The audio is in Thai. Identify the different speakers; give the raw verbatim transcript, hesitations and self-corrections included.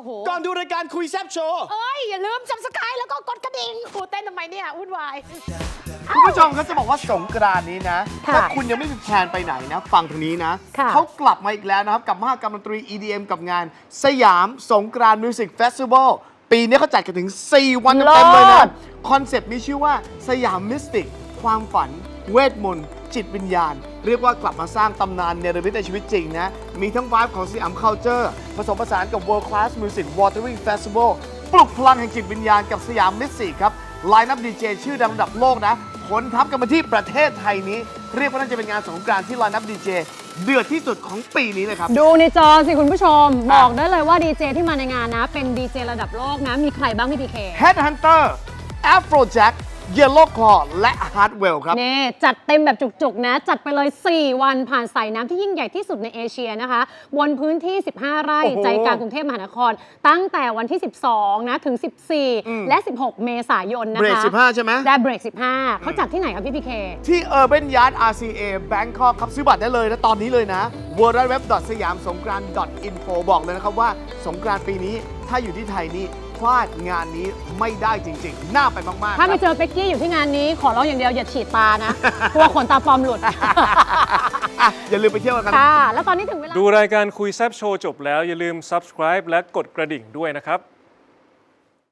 Speaker 1: อ้โห
Speaker 2: ก่อนดูรายการคุยแซบโชว์
Speaker 1: เอ้ยอย่าลืมซับสไครต์แล้วก็กดกระดิ่งกูเต้นทำไมเนี่ยวุ่นวาย
Speaker 2: คุณผู้ชมเขาจะบอกว่าสงกรานต์นี้นะถ้าคุณยังไม่มีแพลนไปไหนนะฟังทางนี้นะเขากลับมาอีกแล้วนะครับกับมหกรรมดนตรี อี ดี เอ็ม กับงานสยามสงกรานต์มิวสิกเฟสติวัลปีนี้เขาจัดกันถึงสี่วันเต็มเลยนะคอนเซปต์มีชื่อว่าสยามมิสติกความฝันเวทมนต์จิตวิญญาณเรียกว่ากลับมาสร้างตำนานเนรมิตในชีวิตจริงนะมีทั้งวายของสยามคัลเจอร์ผสมผสานกับ World Class Music Watering Festival ปลุกพลังแห่งจิตวิญญาณกับสยามมิสติกครับไลน์อัพดีเจชื่อดังระดับโลกนะขนทัพกันมาที่ประเทศไทยนี้เรียกว่าน่าจะเป็นงานสงกรานต์ที่ไลน์อัพดีเจเดือดที่สุดของปีนี้เลยครับ
Speaker 3: ดูในจอสิคุณผู้ชมบอกได้เลยว่าดีเจที่มาในงานนะเป็นดีเจระดับโลกนะมีใครบ้างพี่พีเค
Speaker 2: Headhunter Afrojack Yellow Claw และ Hardwell ครับ
Speaker 3: นี่จัดเต็มแบบจุกๆนะจัดไปเลยสี่วันผ่านสายน้ำที่ยิ่งใหญ่ที่สุดในเอเชียนะคะบนพื้นที่สิบห้าไร่ใจกลางกรุงเทพมหานครตั้งแต่วันที่สิบสองนะถึงสิบสี่และสิบหกเมษายนนะคะ
Speaker 2: เบรกสิบห้าใช่ไหม
Speaker 3: ได้เบรกสิบห้าเขาจัดที่ไหนครับพี่พีเค
Speaker 2: ที่ Urban Yard อาร์ ซี เอ Bangkok ครับซื้อบัตรได้เลยนะตอนนี้เลยนะ ดับเบิลยู ดับเบิลยู ดับเบิลยู ดอท สยามสงกรานต์ ดอท อินโฟ บอกเลยนะครับว่าสงกรานต์ปีนี้ถ้าอยู่ที่ไทยนี่พลาดงานนี้ไม่ได้จริงๆน่าไปมากๆ
Speaker 3: ถ้าไปเจอเป็กกี้อยู่ที่งานนี้ขอร้องอย่างเดียวอย่าฉีดตานะกลัวขนตาปลอมหลุด
Speaker 2: อ่ะอย่าลืมไปเที่ยวกัน
Speaker 3: ค่ะแล้วตอนนี้ถึงเวลา
Speaker 4: ดูรายการคุยแซบโชว์จบแล้วอย่าลืม ซับสไครบ์ และกดกระดิ่งด้วยนะครับ